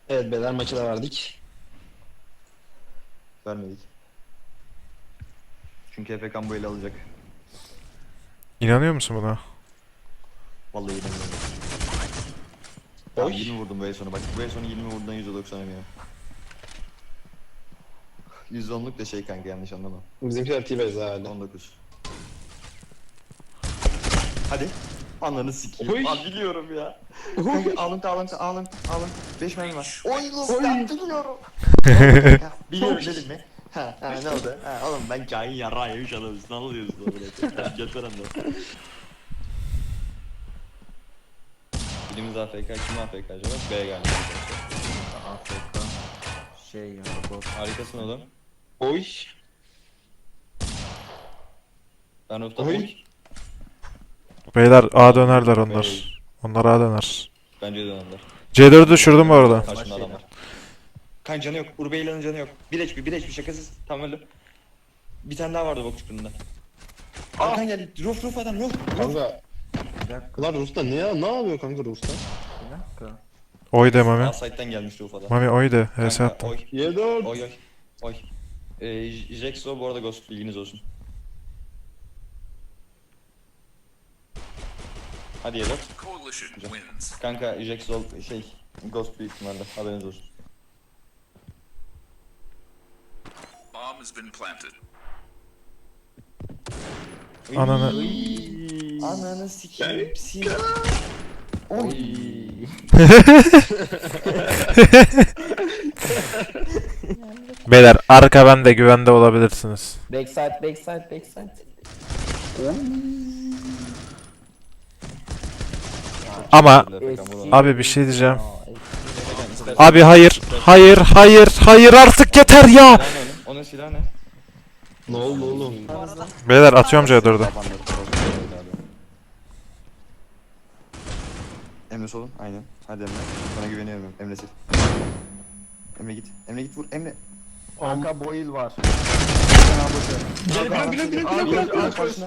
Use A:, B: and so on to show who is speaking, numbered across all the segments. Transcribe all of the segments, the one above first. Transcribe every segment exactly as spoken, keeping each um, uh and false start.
A: Evet beyler maçı da verdik.
B: Vermedik. Çünkü Efe Kan bu ele alacak.
C: İnanıyor musun buna?
B: Vallahi inanmıyorum. Tamam
A: Oy.
B: yirmi vurdum bu el sonu. Bak bu el sonu yirmi vurduğundan yüzde doksan eminim. yüzde onluk da şey kanka, yanlış anlama.
A: Bizimkiler T-Base herhalde.
B: on dokuz. Hadi. Ananı sikeyim.
A: Oy.
B: Lan biliyorum ya. Kanka alıntı alıntı alıntı alıntı. beş mermi var. Oy lan ben biliyorum. Ya, biliyorum dedim mi? Ha, ha ne oldu? Ha oğlum ben kain yarrağı yemiş adamız. Ne oluyorsun oğlum? Gel falan da. Birimiz A F K, kim A F K acaba? B galiba.
D: A F K şey ya bot.
B: Harikasın oğlum.
A: Oy.
B: Ben Ufta
A: Oy.
B: oy.
C: Beyler A dönerler onlar. Onlar A döner.
B: Bence de onlar.
C: C dördü düşürdüm bu arada.
B: Karşımda adam var. Kan canı yok. Urbeylan'ın canı yok. bir H P, bir H P şakasız. Tam öldü. Bir tane daha vardı bok çukurunda. Arkan geldi. Ruf ruf adam ruf. Ruf.
A: Kanka.
D: Bir dakika,
A: Lan Rus'ta ne ya? Ne yapıyor kanka Rus'ta?
D: bir dakika.
C: Oy de Mami.
B: A site'den gelmiş ruf adam.
C: Mami oy de. H S
B: Kanka,
C: attım.
B: Oy.
A: Y dört.
B: Oy oy. Oy. Ee, Jaxo bu arada Ghost, bilginiz olsun. Hadi Y dört.
E: Coalition wins.
B: Kanka Jaxo şey Ghost büyük ihtimalle, haberiniz olsun.
E: Bomb has been planted.
C: Ananı.
B: Ananı sikeyim. Sil. Oy.
C: Beyler arka bende, güvende olabilirsiniz.
D: Backside, backside, backside.
C: Ama abi bir şey diyeceğim. Abi hayır. Hayır hayır hayır artık yeter ya.
B: Silahı ne oğlum? Onun silahı ne?
A: Ne oldu oğlum?
C: Beyler atıyorum C dördü.
B: Emre solun, aynen. Hadi Emre. Sana güveniyorum. Emre sil. Emre git. Emre git vur. Emre.
D: Arka boil var.
A: Gel gel gel gel
B: Abi
A: gel
B: gel
A: gel.
B: karşına.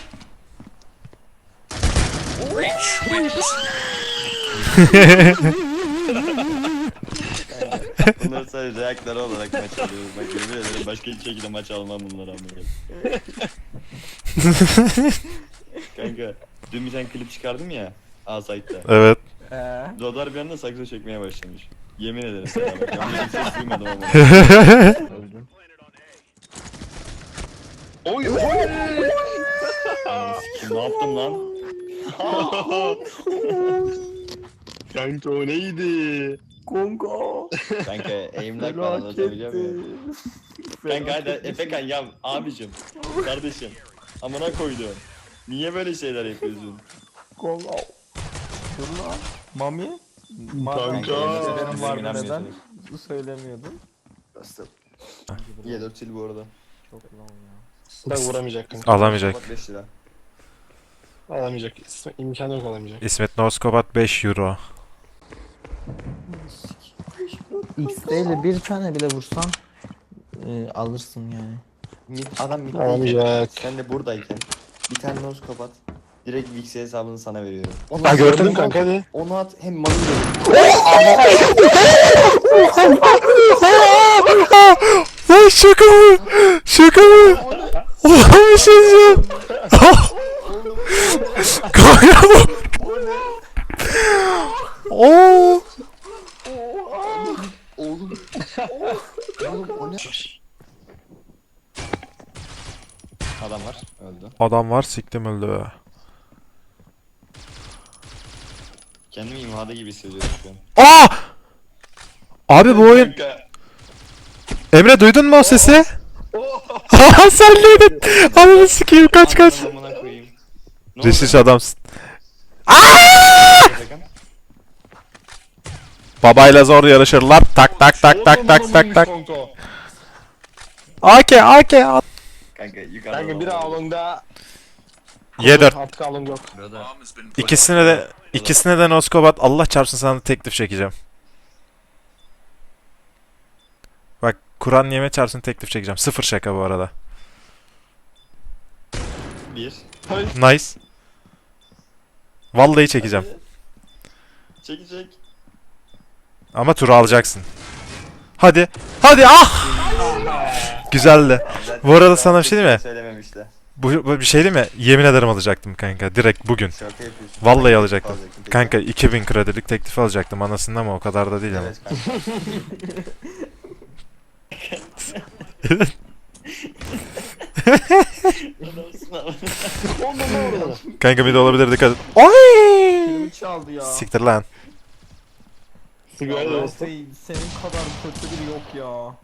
B: Bunları sadece reaktör olarak maç alıyoruz. Bak yemin ederim başka hiçbir şekilde maç almam bunları amına. Kanka dün bir tane klip çıkardım ya A-Site'da.
C: Evet.
D: Eee?
B: Zodar bir anda sakso çekmeye başlamış. Yemin ederim sana bak. Ben bir ses duymadım ama.
D: Öldüm.
A: Oy oy.
B: Ananı sikeyim, ne yaptım lan?
A: Kanka o neydi?
D: Kongo.
B: Kanka aimlock falan atabiliyor muyum? Kanka hadi Efekan ya abicim, kardeşim. Amına koydum. Niye böyle şeyler yapıyorsun?
D: Kongo. Dur lan. Mami?
A: Kanka.
D: Benim var neden
B: inanmıyorsunuz.
D: söylemiyordun?
B: Y dört sil bu arada.
D: Çok lan ya.
A: Da vuramayacak kanka.
C: Alamayacak.
B: Bak beş lira.
A: Alamayacak. İmkanı yok alamayacak.
C: İsmet Noskobat beş euro.
D: X ile bir tane bile vursan e, alırsın yani.
B: Mid, adam mid.
A: Alamayacak.
B: Sen de buradayken bir tane nose kapat. Direkt Vix'e hesabını sana veriyorum.
A: Ha gördün kanka hadi.
B: Onu at hem malı
C: Lan şaka mı? Şaka mı? Oğlum bir şey diyeceğim. Kanka bu. Oo.
B: Oğlum. Oğlum o ne? Adam var. Öldü.
C: Adam var, siktim öldü be.
B: Kendimi imhada gibi hissediyorum şu an.
C: Aa! Abi bu oyun...
A: Kanka.
C: Emre duydun mu o sesi? Haha sen neydin? Ananı sikeyim, kaç kaç.
B: Ananı amına koyayım. Ne oldu?
C: Reşiş adamsın.
B: Efekan?
C: Babayla zor yarışırlar. Tak tak tak tak tak tak tak. AK AK at.
B: Kanka yukarıda.
A: Kanka bir alonda.
C: Y dört.
A: Artık alon yok.
E: Bomb has been planted.
C: İkisine de ikisine de Noskobat, Allah çarpsın sana da teklif çekeceğim. Bak Kur'an yeme çarpsın teklif çekeceğim. Sıfır şaka bu arada.
B: Bir.
C: Nice. Vallahi çekeceğim.
B: Çekecek.
C: Ama turu alacaksın. Hadi. Hadi ah! Güzeldi. Bu arada sana bir şey diyeyim mi?
B: Söylememişler.
C: Bu, bu bir şey değil mi? Yemin ederim alacaktım kanka. Direkt bugün.
B: Şaka yapıyorsun.
C: Vallahi alacaktım.
B: Alacaktın.
C: Kanka iki bin kredilik teklifi alacaktım anasını ama o kadar da değil ama.
B: Evet kanka.
A: On numara orada.
C: Kanka bir de olabilir dikkat et. Oy!
D: Kilimi çaldı ya.
C: Siktir lan.
A: Sigara da olsun.
D: Lawface senin kadar kötü biri yok ya.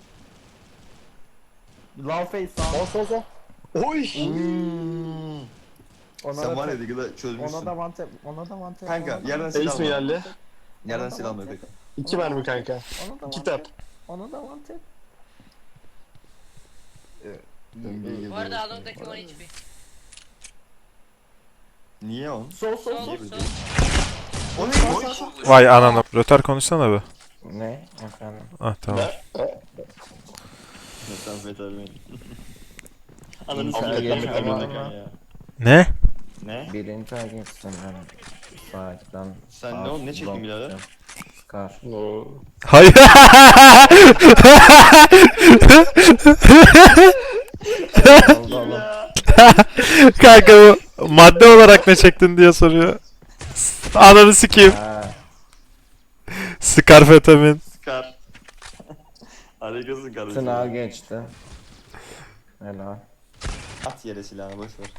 D: Lawface sağ.
A: Bas bas bas. Oy.
D: Hmm. Ona
B: Sen
D: da
B: var ya
D: te-
B: Diggle çözmüşsün.
D: ona da one tap, ona da one tap.
B: Kanka
D: ona da-
B: yerden silah
A: Ace mi
B: alma.
A: geldi?
B: Yerden silah alma peki.
A: İki mermi kanka.
D: Ona da one
A: Kitap.
D: tap. Ona da one tap.
F: Bu arada Alon'daki on H P.
B: Niye on?
D: Sol sol sol.
F: Sol sol.
B: O ne?
C: Vay ananı. Röter konuşsana be.
D: Ne? Efendim.
C: Ah tamam.
B: Metamfetamin.
D: Ananı
B: Ananı
D: sikeyim.
B: sikeyim.
D: Ama-
C: Ne?
B: Ne?
D: Birinci ay geçtim ben. Sahipten.
B: Sen ne oğlum, ne çektin birader?
D: Scar.
A: No.
C: Hayır.
D: Oldu oğlum.
C: Kanka bu madde olarak ne çektin diye soruyor. Ananı sikeyim.
D: Ha,
C: Skarfetamin.
B: Scar. Harikasın kardeşim.
D: sınav geçti. Helal.
B: At yere silahını boş ver.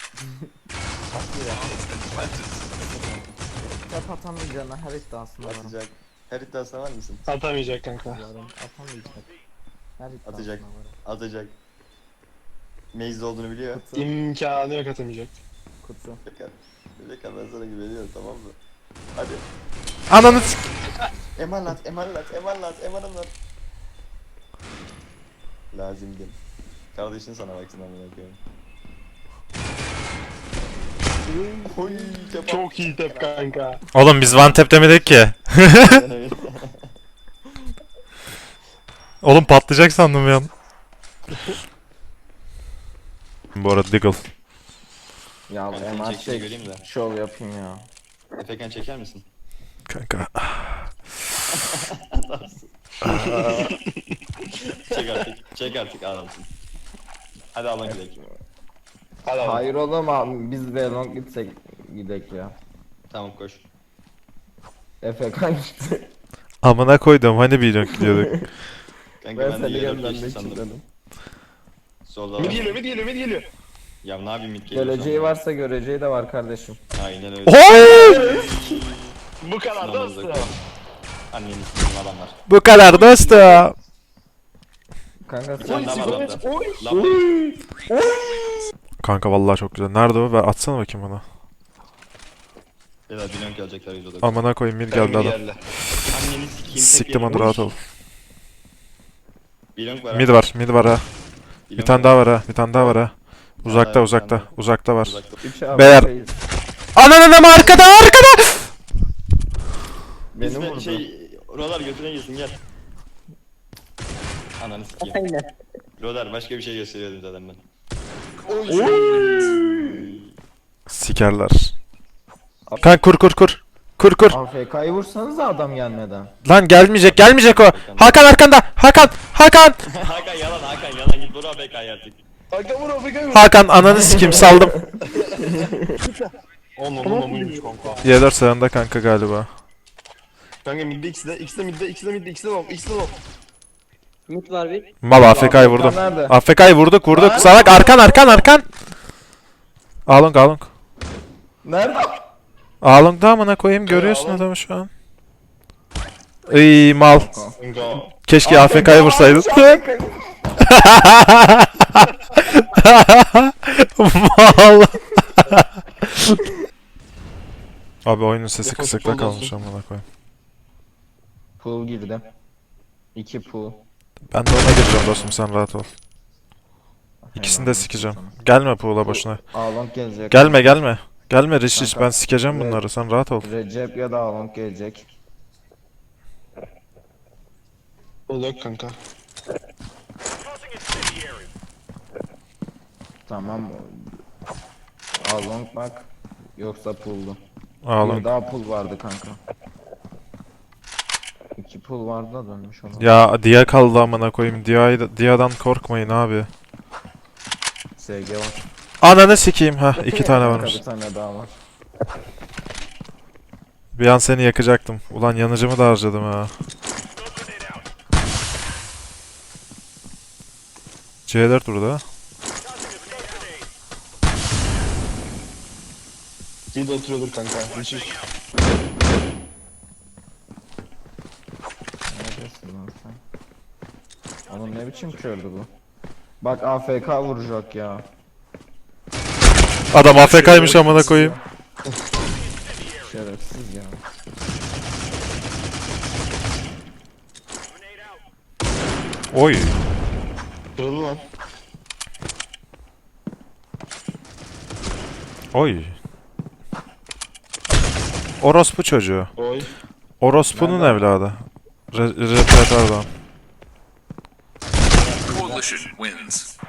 D: Hep atamayacağına her iddiasında varım.
B: Atacak. Her iddiasına var mısın?
A: Atamayacak kanka.
D: Varım. Atamayacak. Her iddiasında
B: Atacak.
D: varım.
B: Atacak. Maze'de olduğunu biliyor.
A: İmkanı yok atamayacak.
D: Kutu.
B: Bekar. Bekar ben sana güveniyorum, tamam mı? Hadi.
C: Ananı sik...
B: Emanet, emanet, emanet, emanet. Lazimdi. Kardeşin sana baksın amına koyayım. Oy, kebap.
A: Çok iyi tep kanka.
C: Oğlum biz one tap demedik ki. Oğlum patlayacak sandım ya. Bu arada Diggle.
D: Ya
B: Ben senin
D: M R
B: çekişini
D: çek.
B: göreyim de.
D: Şov yapayım ya.
B: Efekan çeker misin?
C: Kanka.
B: Çek artık. Çek artık adamsın. Hadi alın gidelim.
A: Hadi abi.
D: Hayır oğlum abi biz Velong gitsek gidek ya.
B: Tamam koş.
D: Efe kaçtı.
C: Amına koydum hani bir dönk gidiyorduk.
B: Kanka
D: Ben
B: ben, de
D: seni
B: yere
D: göndermek
B: geçti sandım.
D: istedim.
B: Solda
A: Mid
B: var.
A: geliyor mid geliyor mid geliyor.
B: Ya ne yapayım mid geliyor
D: Geleceği
B: sandım.
D: varsa göreceği de var kardeşim.
B: Aynen öyle.
C: Oy!
A: Bu kadar da
B: Sınavımıza
A: ısrar.
B: koy. Anneni s**eyim adamlar.
C: Bu kadar dostum.
D: Kanka
B: Bir
D: sen
B: tane daha var
A: Evet,
B: lambda.
A: oy.
B: Lambda.
C: Kanka vallahi çok güzel. Nerede o? Ver atsana bakayım bana.
B: Evet bilmiyorum gelecekler yüz odaklı.
C: Amına koyayım mid geldi adam.
B: Anneni sikeyim. tek
C: Siktim
B: yerim.
C: hadi rahat ol.
B: Bilmiyorum var.
C: Mid var, mid var ha. Bir tane daha var ha, bir tane daha var ha. Uzakta,
B: daha, bir
C: uzakta,
B: tane daha.
C: uzakta var.
B: Uzakta.
D: üç abi.
C: Beyler.
D: Şey-
C: Ananı ama arkada, arkada!
D: Beni
B: Bizde
D: vurdu.
B: şey, Rolar götüne girsin gel. Ananı sikeyim. Rolar başka bir şey gösteriyordum zaten ben.
C: Sikerler. Kanka kur kur kur. Kur kur.
D: A F K'yı vursanız adam gelmeden.
C: Lan gelmeyecek, gelmeyecek o. Hakan arkanda, Hakan, Hakan.
B: Hakan yalan, Hakan yalan, git Bora B K artık.
A: Hakan vur Hakan vur.
C: Hakan ananı sikeyim saldım.
A: On on on onuymuş kanka.
C: Y dört sağında kanka galiba.
A: Kanka midde ikisi de ikisi de midde ikisi de midde ikisi de low ikisi de low.
F: Mid var bir.
C: Mal A F K'yı vurdum.
D: Nerede?
C: A F K'yı vurduk, vurduk. Salak arkan, arkan, arkan. Along, along.
D: Nerede?
C: Along'da amına koyayım görüyorsun adamı şu an. Iy mal.
A: Kanka.
C: Keşke A F K'yı vursaydın. Mal. Abi oyunun sesi
A: Defol,
C: kısıkta
A: defol
C: kalmış amına koyayım.
D: Pool girdi. İki pool.
C: Ben de ona gireceğim dostum sen rahat ol. İkisini de sikeceğim. Gelme pool'a boşuna.
D: Along gelecek.
C: Gelme gelme. Gelme Rich Rich
D: Kanka.
C: ben sikeceğim
D: Evet.
C: bunları sen rahat ol.
D: Recep ya da Along gelecek.
A: O yok kanka.
D: Tamam. Along bak. Yoksa pool'du. Bir
C: Along.
D: daha pool vardı kanka. İki pul vardı da dönmüş ona.
C: Ya Dia kaldı amına koyayım. Dia'yı Dia'dan korkmayın abi.
D: S G var.
C: Ananı sikeyim ha. iki tane varmış.
D: Bir tane daha var.
C: Bir an seni yakacaktım. Ulan yanıcımı da harcadım ha. C dört burada.
A: Gide oturuyordur kanka. Düşüş.
D: Neredesin lan sen? Oğlum ne biçim kördü bu? Bak A F K vuracak ya.
C: Adam A F K'ymış amına koyayım.
D: Şerefsiz ya.
C: Oy.
A: Kırıldı lan.
C: Oy. Orospu çocuğu.
A: Oy.
C: Orospu'nun evladı. Re Repretardan.
E: Coalition wins.